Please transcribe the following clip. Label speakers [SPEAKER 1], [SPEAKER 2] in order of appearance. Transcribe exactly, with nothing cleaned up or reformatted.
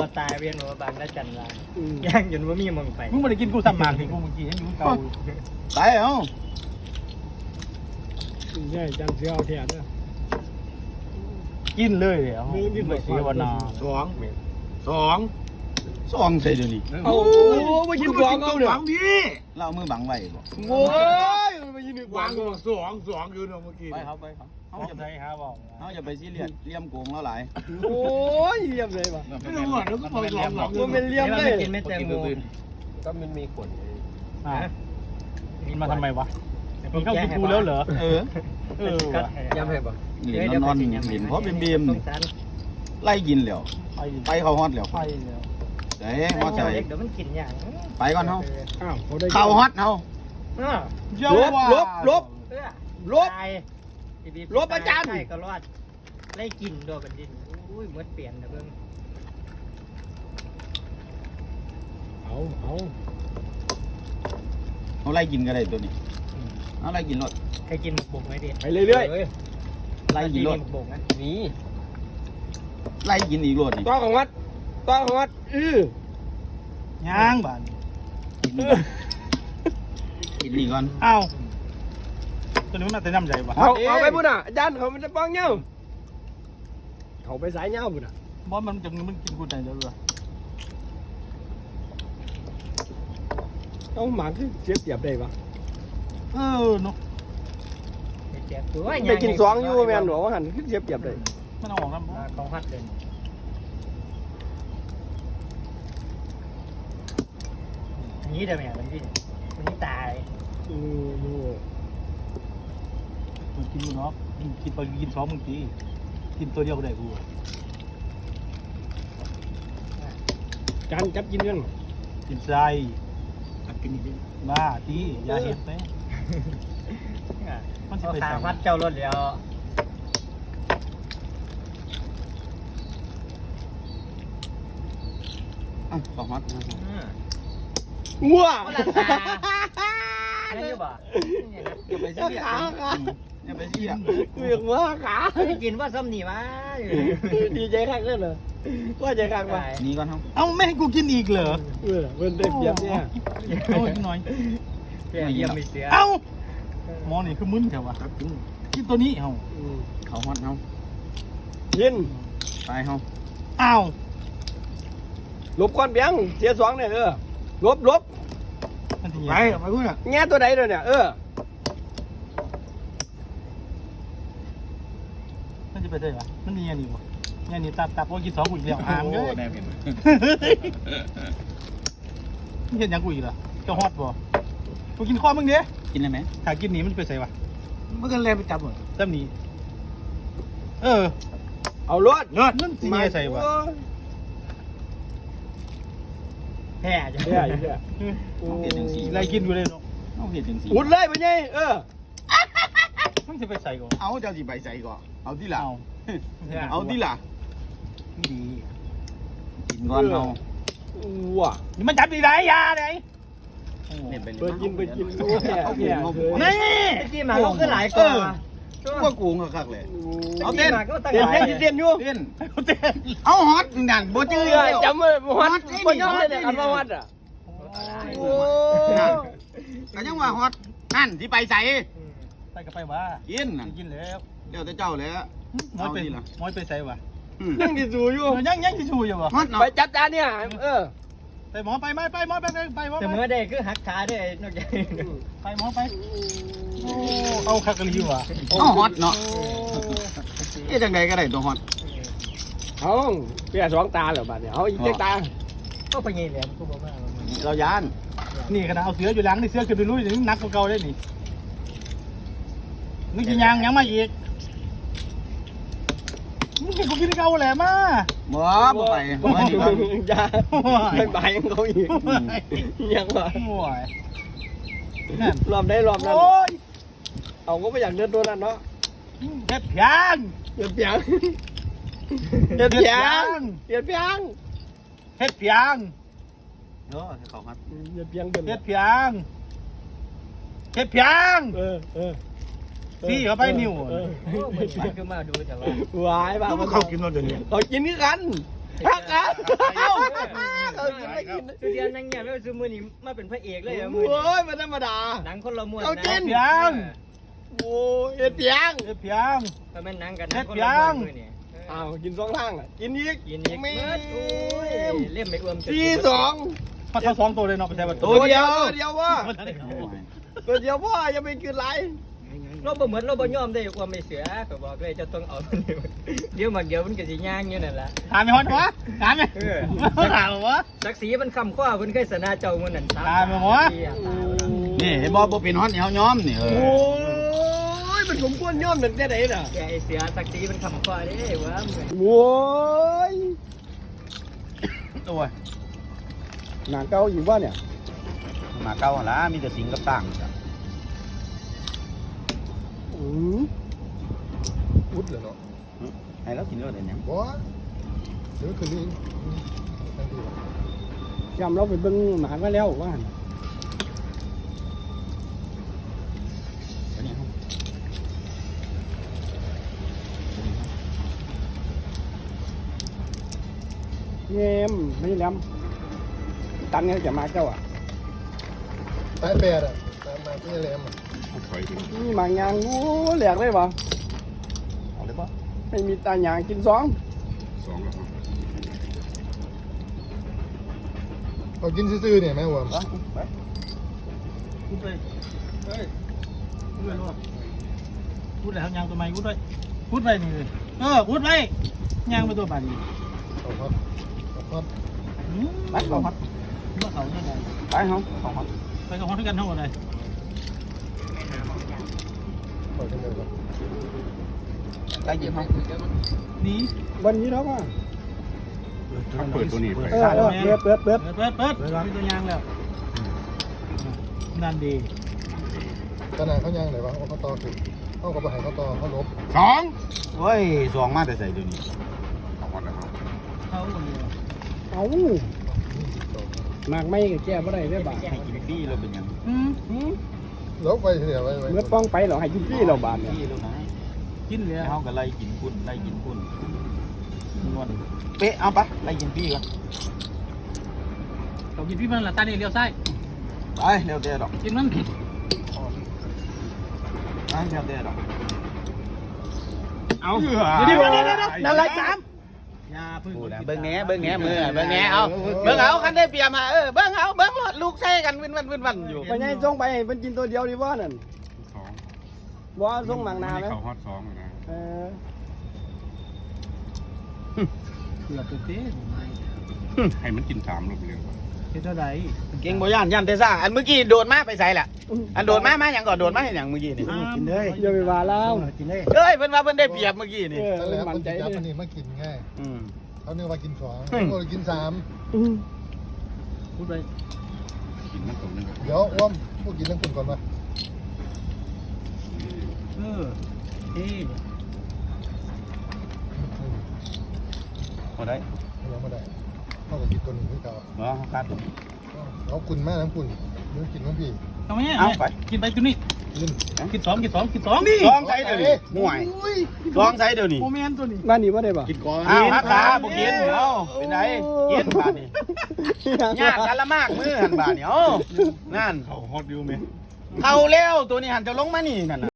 [SPEAKER 1] ตายเวียนหัวบางได้จันทร์ลายย่างจนว่ามีมองไป
[SPEAKER 2] มึงไม่ได้กินกูซ้ำหมากที่กูเมื่อกี้ยังอยู่เก่า
[SPEAKER 3] ตายเอ้า
[SPEAKER 4] ใช่จันเสียเอาแทนนะ
[SPEAKER 2] กินเลยเหรอไม่เสียวนา
[SPEAKER 4] สองสอง
[SPEAKER 3] สองใส่เดี๋ยวนี้
[SPEAKER 4] โอ้มายินสองเอาเนี่ย
[SPEAKER 3] เราเอามือบังไว้บ่
[SPEAKER 4] โอ้ยมายินวางสองสองอยู่เนาะเมื่อกี้
[SPEAKER 3] ไปครับไปครับ
[SPEAKER 2] เขา
[SPEAKER 3] เขา
[SPEAKER 2] จะ
[SPEAKER 3] จะ
[SPEAKER 2] ได้หาบอก
[SPEAKER 3] เขาจะไปซีเรียสเลี่ยมโกงแล้วหลาย
[SPEAKER 4] โอ้ยเยี่ยมเลยว่ะ
[SPEAKER 2] ไม่รู้อ่ะแล้วก็พอลองลอง
[SPEAKER 4] มันเป็นเลี่ยมเลย
[SPEAKER 1] กินไม่แตงโม
[SPEAKER 4] ก็มันมีขน
[SPEAKER 2] อ่ากินมาทำไมวะมึงเข้ากินกูแล้วเหรอ
[SPEAKER 3] เออ
[SPEAKER 2] เออว่ะ
[SPEAKER 4] ย้ำให้ป่ะ
[SPEAKER 3] หลินนอนหลินเพราะเป็นบีมไล่กินแล้ว
[SPEAKER 2] ไป
[SPEAKER 3] ไปเขาฮอตแล้ว
[SPEAKER 2] ไปแล้ว
[SPEAKER 3] เด้ฮอตใส่
[SPEAKER 1] เดี๋ยวมันกินอย่าง
[SPEAKER 3] ไปก่อนเฮา
[SPEAKER 4] อ้าวเขาได้
[SPEAKER 3] เขาฮอตเฮา
[SPEAKER 2] เยาว่า
[SPEAKER 4] ลบลบ
[SPEAKER 1] ลบลบอาจารย์ใช่ก็รอดไล่กินโดนบันดินอุ้ยมดเปลี่ยนนะเบิ้ง
[SPEAKER 4] เอาเอา
[SPEAKER 3] เขาไล่กินก็ได้ตัวนี้เอาไล่กินรถ
[SPEAKER 1] เคยกินหมกบกไหมดิ
[SPEAKER 4] ไปเรื่อย
[SPEAKER 3] ไล่กินรถ
[SPEAKER 1] หมกบกนะ
[SPEAKER 4] ๆนี่
[SPEAKER 3] ไล่กินอีกรถนี่
[SPEAKER 4] ต้อของวัดต้อของวัดอือย่าง
[SPEAKER 2] บ้าน
[SPEAKER 3] กินนี่ก่อนกินนี่ก่อน
[SPEAKER 2] อ้าวตัวนี้มันน่าจะน้ำใจวะ
[SPEAKER 4] เอาเอาไปพุ่นอ่ะอาจารย์เขามันจะป้องเงี้ยเขาไปสายเงี้ยพุ่นอ่ะ
[SPEAKER 2] บอสมันจะมันกินกูไหนเดี๋ยวดู
[SPEAKER 4] เอาหมาขึ้นเสียเปรียบได้ปะ
[SPEAKER 2] เออเนาะ
[SPEAKER 1] เจ็บตัว
[SPEAKER 4] ไปกินสองอยู่แมนหนูว่าหันขึ้นเสียเปรียบได้
[SPEAKER 2] มันเอาออกแล้ว
[SPEAKER 1] ของฮัดเลยนี้เดี๋ยวแม่มันดิมันนี่ตาย
[SPEAKER 4] อืม
[SPEAKER 2] มันกินอยู่เนาะกินกินไปกินสองมึงตีกินตัวเดียวก็ได้กู
[SPEAKER 4] จานจับกินกัน
[SPEAKER 2] กินใจกินอีกบ้าตีอย่าเห็นไปมันจะ
[SPEAKER 1] เอา
[SPEAKER 2] ไป
[SPEAKER 1] ขา
[SPEAKER 2] ใส่
[SPEAKER 1] พัดเจ้ารถแล้ว
[SPEAKER 3] อ้าวเขาฮอต
[SPEAKER 4] งัว
[SPEAKER 1] นั่นอยู่บ่
[SPEAKER 3] อย่าไปซีเรียสอย่าไปซีเรียส
[SPEAKER 4] เวียงว่าขา
[SPEAKER 1] ไม่กินว่าซ้ำนี่วะ
[SPEAKER 4] ดีใจคักเลยเหรอว่าใจคักว่ะ
[SPEAKER 3] นี่ก่อนเฮา
[SPEAKER 2] เอ้าไม่ให้กูกินอีกเหรอ
[SPEAKER 4] เออเพิ่นได้เปรียบเนี่ย
[SPEAKER 2] เอาอีกหน่อย
[SPEAKER 1] เยี่ยมมีเสีย
[SPEAKER 2] เอ้าหมอนี่คือมึนแถววะกินตัวนี้เอ้า
[SPEAKER 4] อืม
[SPEAKER 3] เขาฮอตเฮา
[SPEAKER 4] ยิน
[SPEAKER 3] ตายเฮา
[SPEAKER 2] อ้าว
[SPEAKER 4] ลบก้อนเบียงเสียสองเนี่ยเออลบลบ
[SPEAKER 2] มันจะ
[SPEAKER 3] ไป
[SPEAKER 2] ยัง
[SPEAKER 3] ไปพุ่นน่ะ
[SPEAKER 4] แง่ตัวไหนเลยเนี่ยเออ
[SPEAKER 2] มันจะไปได้ปะมันนี่ยังนี่วะยังนี่ตับตับว่ากินสองกูอีกแล้วหามเลย
[SPEAKER 3] แน่เห็น
[SPEAKER 2] มึงเห็นยังกูอีกเหรอเจ้าฮอตบ่กูกินข้อมึงเด้
[SPEAKER 3] กินได้ไหม
[SPEAKER 2] ถ้ากินหนีมันจะไปใส่วะ
[SPEAKER 3] เมื่อกันแรงไปจับหมด
[SPEAKER 2] เต็มหนีเออ
[SPEAKER 4] เอารถ
[SPEAKER 2] เลิศนั่นสิใส่วะ
[SPEAKER 1] แพ้จัง
[SPEAKER 4] เนี่ยอยู่เนี่ย
[SPEAKER 2] ไรกินอยู่เลยเนาะ
[SPEAKER 3] เอาเห็ดจังสี
[SPEAKER 4] อุดเลยไปไงเออ
[SPEAKER 2] มันจะไปใส่ก่อน
[SPEAKER 3] เอาเจ้าสิใบใส่ก่อนเอาที่หลัง
[SPEAKER 2] เอา
[SPEAKER 3] เอาที่หลัง
[SPEAKER 2] ไม่ดี
[SPEAKER 3] กินก่อนเอา
[SPEAKER 4] ว้า
[SPEAKER 2] นี่มันจับดีไรยาไหน
[SPEAKER 3] เนี่ยไปเลย
[SPEAKER 4] เปิดกินไปกินรู้แค่แค่
[SPEAKER 2] นี่
[SPEAKER 1] ที่มาเขาก็หลายกว่า
[SPEAKER 3] ว่ากูงคักเลย
[SPEAKER 1] เอาเต้นก็ตั้ง
[SPEAKER 4] เต้น
[SPEAKER 1] หลาย
[SPEAKER 4] เต้นเต้นอยู่
[SPEAKER 3] เต้น
[SPEAKER 2] เต้น
[SPEAKER 3] เอาฮอตนั่นบ่จื้อ
[SPEAKER 4] เออจำไม่วัดไม่ยอมเลยเนี่ยคำว่าวัดอ่ะโอ้
[SPEAKER 3] ก็ยังว่าฮอตนั่นที่ไปใส่
[SPEAKER 2] ไปกับไปว่า
[SPEAKER 3] กินนั่น
[SPEAKER 2] กินแล้ว
[SPEAKER 3] เดี๋ยวแต่เจ้าแล้ว
[SPEAKER 2] มอยไปมอยไปใส่วะ
[SPEAKER 4] ยังที่สูอยู่
[SPEAKER 2] ยังยังที่ชูอยู่วะ
[SPEAKER 3] ฮอตเนาะ
[SPEAKER 4] ไปจับจานเนี่ยเออ
[SPEAKER 2] ไปหมอไปไม่ไปหมอไปไปไปหมอ
[SPEAKER 1] แต่
[SPEAKER 2] ไป
[SPEAKER 1] เมื่อใดคือหักขาด้วยนอกจาก
[SPEAKER 2] ไปหมอไปโอ้เอาคักกะลีวะ
[SPEAKER 3] เอาฮอตเนาะเอ๊ะจังใดก็ได้ตัวฮอต
[SPEAKER 4] เอาเปียสองตาเหรอบ้านเนี่ยเอาอีกเจ็ดตา
[SPEAKER 1] ก็ไปเงี้ยแหลมกูบอกว่า
[SPEAKER 3] เรายาน
[SPEAKER 2] นี่ขนาดเอาเสืออยู่หลังนี่เสือขึ้นไปลุยนี่นักกว่าเก่าได้นี่มึงกินยังยังมาอีกมึงกินกูกินเก่าแหละมา
[SPEAKER 3] บ่บ่ไปบ่ไปดีกว่า
[SPEAKER 4] อย่าไม่ไปยังเขาอีกยังวะ
[SPEAKER 2] โอ้ยนั่น
[SPEAKER 4] รอบได้รอบนั้น
[SPEAKER 2] โอ้ย
[SPEAKER 4] เอาก็ไม่อยากเดินตัวนั้นเนาะ
[SPEAKER 2] เฮ็ดเพียง
[SPEAKER 4] เปียกเปียกเปียกเปียกเปียกเปียก
[SPEAKER 2] เฮ็ดเพียง
[SPEAKER 3] เออเขาฮอต
[SPEAKER 4] เปียกเปียกเป็น
[SPEAKER 2] เฮ็ดเพียงเฮ็ดเพียง
[SPEAKER 4] เออเออ
[SPEAKER 2] ซี่เข้าไปนิ้ว
[SPEAKER 4] เออ
[SPEAKER 1] มันคือมาดูแต่ว่า
[SPEAKER 4] วายบ้า
[SPEAKER 3] แล้วเขากินมาเดี๋ยวนี้
[SPEAKER 4] เขากินกันฮักอ่ะเอ้าเขากินไม่กิน
[SPEAKER 1] สุดเดียวนั่งเงียบแล้วซูมือนี่มาเป็นพระเอกเลยอะมือ
[SPEAKER 4] โอ้ยมันธรรมดา
[SPEAKER 1] หนังคนละม้วน
[SPEAKER 4] เอากิน
[SPEAKER 2] เพียง
[SPEAKER 4] โอ้ยเอ็ดเปียง
[SPEAKER 2] เฮ็ดเพียง
[SPEAKER 1] ก็แม่นหนังกันหนังคนละม้วนมือนี่
[SPEAKER 4] อ้าวกินสองทางอ่ะกินอีก
[SPEAKER 1] กินอีก
[SPEAKER 4] ไม่
[SPEAKER 1] เบิดโอ้ยเล่มไปอ้วมจน
[SPEAKER 4] สี่สอง
[SPEAKER 2] พอเท่าสองตัวเลยเนาะไปใช้บัตร
[SPEAKER 4] ตัวเดียวตัวเดียวว่า
[SPEAKER 2] มันได้เข้า
[SPEAKER 4] ตัวเดียวพ่ออย่าไปกินไร
[SPEAKER 1] เราบ่เหมือนเราบ่ยอมได้อ้วมไม่เสือก็บอกเลยจะต้องเอาเดี๋ยวมาเดี๋ยวมันก็สิย่างอยู่นั่นล่ะ
[SPEAKER 2] ถามไม่ฮอดวะถามไหม
[SPEAKER 1] เออ
[SPEAKER 2] ถามวะ
[SPEAKER 1] ศักดิ์ศรีมันคำข้อเพิ่นเคยสนาเจ้ามื้อนั้น
[SPEAKER 2] ตายไหมวะ
[SPEAKER 3] นี่เห็นบ่บ่เป็นฮอตนี่เฮาย้อมนี่เอ
[SPEAKER 4] โอ้
[SPEAKER 3] อย
[SPEAKER 4] มันสมควรย่อมหนึ่งได้ไหนน่ะ
[SPEAKER 1] แกไอ้เสือศักดิ์ศรีมันคำข้อเด้ว่ามึง
[SPEAKER 4] โว้ย
[SPEAKER 3] ตัว
[SPEAKER 4] หนังเก่าอยู่ว่าเนี่ย
[SPEAKER 3] มาเก่าหั่นล่ะมีแต่สิงกับต่าง
[SPEAKER 4] อืม
[SPEAKER 5] พุดเลยเนาะ
[SPEAKER 3] ให้เรากินรสได้หยัง
[SPEAKER 5] บ่เดี๋ยวคืนนี้ตั้งดีว่ะ
[SPEAKER 4] จำเราไปเบิ่งหมามาแล้วว่า
[SPEAKER 3] อันนี้
[SPEAKER 4] เงียมไม่แหลมตันไงจะมาเจ้าอ่ะ
[SPEAKER 5] ตายแปดอ่ะตามมาที่แหลมอ่ะ
[SPEAKER 4] นี่มางานโอ้แหลกเลยบ่
[SPEAKER 3] เอาเลยบ่
[SPEAKER 4] ไม่มีตาหยางกินสอง
[SPEAKER 5] เขากินซื่อๆเนี่ยแม่หัว
[SPEAKER 3] ไปไป
[SPEAKER 2] พูดเลยเฮ้ยพูดเลยลูกพูดเลยครับยางตัวใหม่พูดเลยพูดไปนี่เลยเออพูดไปยางไปตัวบาดนี้
[SPEAKER 5] เขาฮอตเขาฮอต
[SPEAKER 2] ไปเขาฮัดเมื่อเขาเนี่ยไง
[SPEAKER 3] ไปเฮาของฮอต
[SPEAKER 2] ไปกับฮอดด้วยกันทั้งหมดเลย
[SPEAKER 5] เปิดกันเลยว่ะ
[SPEAKER 3] ใกล้เย็นเฮา
[SPEAKER 2] นี่
[SPEAKER 4] วันนี้แล้วว่า
[SPEAKER 3] เปิดตัวนี้ไป
[SPEAKER 4] เออเออเปิดเปิดเปิด
[SPEAKER 2] เปิดเปิดเปิดมีตัวยางแล้วนั่นดี
[SPEAKER 5] ขนาดเขาย่างไหนวะเขาต่อถึงเขาก็ไปหาเขาต่อเขาลบ
[SPEAKER 3] สองโอ้ยสองมาแต่ใส่เดี๋ยวนี้ของฮอตแล้ว
[SPEAKER 2] เขาคนเดียว
[SPEAKER 4] เอา
[SPEAKER 5] ยี่สิบสอง
[SPEAKER 4] หมากไม่ก็แก้บ่ได้ได้บ่า
[SPEAKER 3] ให้กินฟรีแล้วเป็นหยัง
[SPEAKER 2] อืม
[SPEAKER 4] หืม
[SPEAKER 5] ลบไปเสียไว้ไว้
[SPEAKER 4] เมื่อป้องไปเหรอให้กินพี่เราบาน
[SPEAKER 3] ฟ
[SPEAKER 4] เนี่ย
[SPEAKER 3] รีแล้วนะ
[SPEAKER 2] กินเลย
[SPEAKER 3] เฮาก็ไล่กินคุณไล่กินคุณนวลเป๊ะเอาปะไล่กินฟรีก่อน
[SPEAKER 2] เขากินพี่มันละตาเนี่ยเลี้ยวซ้าย
[SPEAKER 3] ไปเร็วเด้อดอก
[SPEAKER 2] กินมัน
[SPEAKER 3] ไปเร็วเด้อดอก
[SPEAKER 2] เอา
[SPEAKER 3] เดี๋
[SPEAKER 2] เดี๋
[SPEAKER 3] ย
[SPEAKER 2] ยว ว
[SPEAKER 3] เดี๋
[SPEAKER 2] เดี๋
[SPEAKER 3] ย
[SPEAKER 2] ยว ว
[SPEAKER 3] เดี๋
[SPEAKER 2] เดี๋
[SPEAKER 3] ย
[SPEAKER 2] ยว ว
[SPEAKER 3] เดี๋ยว
[SPEAKER 2] นั่นไรสามอย่าพึ่ง
[SPEAKER 3] พูดนะเบิ่งแหน่เบิ่งแหน่มือเบิ่งแหน่เอาเบิ่งเอาคันได้เปรียบมาเออเบิ่งเอาเบิ่งรถลูกใส่กันวินวันวินวันอยู่
[SPEAKER 4] ไปไงส่งไปให้มันกินตัวเดียวดีว่านั่น
[SPEAKER 6] สอง
[SPEAKER 4] บ่ส่งหมากนาไหม
[SPEAKER 6] เขาฮอตสองนะ
[SPEAKER 4] เออ
[SPEAKER 2] เกือบจะเต้
[SPEAKER 6] ให้มันกินสามรอบเร็ว
[SPEAKER 2] เท่าไหร่
[SPEAKER 3] เก่งบ่ย่านย่านแต่ซ่าอันเมื่อกี้โดดมาไปใส่ล่ะอันโดดมามาหยังก่อนโดดมาให้หยังเมื่อกี้นี่
[SPEAKER 2] กินเลย
[SPEAKER 4] อย่าไปว่าเรา
[SPEAKER 2] กินเลย
[SPEAKER 3] เอ้ยเพิ่นว่าเพิ่นได้เปรียบเมื่อกี้นี่
[SPEAKER 4] เออ
[SPEAKER 5] นั่นแหละ
[SPEAKER 4] มัน
[SPEAKER 5] คน
[SPEAKER 4] ใจ
[SPEAKER 5] จับ
[SPEAKER 4] เลย
[SPEAKER 5] อันนี้มากินง่าย
[SPEAKER 3] อืม
[SPEAKER 5] เขาเนี่ยว่ากินสอง
[SPEAKER 3] อืม
[SPEAKER 5] เขากินสาม
[SPEAKER 4] อืม
[SPEAKER 2] พูดไป
[SPEAKER 6] กินมันตรงนึง
[SPEAKER 5] เดี๋ยวอ้วมพวกกินเรื่องคุณก่อนมา
[SPEAKER 2] เออเท่
[SPEAKER 3] บ่ได้
[SPEAKER 5] ยังไม่ได้เขาก็กินตัวหนึ่งที่เก่า
[SPEAKER 3] บ่คาดตรง
[SPEAKER 5] เขาคุณแม่น้ำคุณเดี๋ยวกินน้ำพี่
[SPEAKER 2] ทำไมเนี่ย
[SPEAKER 3] เอาไป
[SPEAKER 2] กินไปตัวนี้
[SPEAKER 5] กิน
[SPEAKER 2] กินสองกินสองกินสองนี่
[SPEAKER 3] ลองใส่เดี๋ยวนี้ห่วยลองใส่เดี๋ยวนี้
[SPEAKER 2] โมเมนตัวนี้
[SPEAKER 4] บ้านนี้ว่าได้ป่ะ
[SPEAKER 5] กินก่อน
[SPEAKER 3] อ้าวฮักขาบ่กินเอ้าเป็นไดกินบาดนี้ยากกันละมากมือหันบาดนี้เอ้านั่น
[SPEAKER 6] เขาฮอตอยู่ไหม
[SPEAKER 3] เข้าแล้วตัวนี้หันจะลงมานี่นั่นน่ะ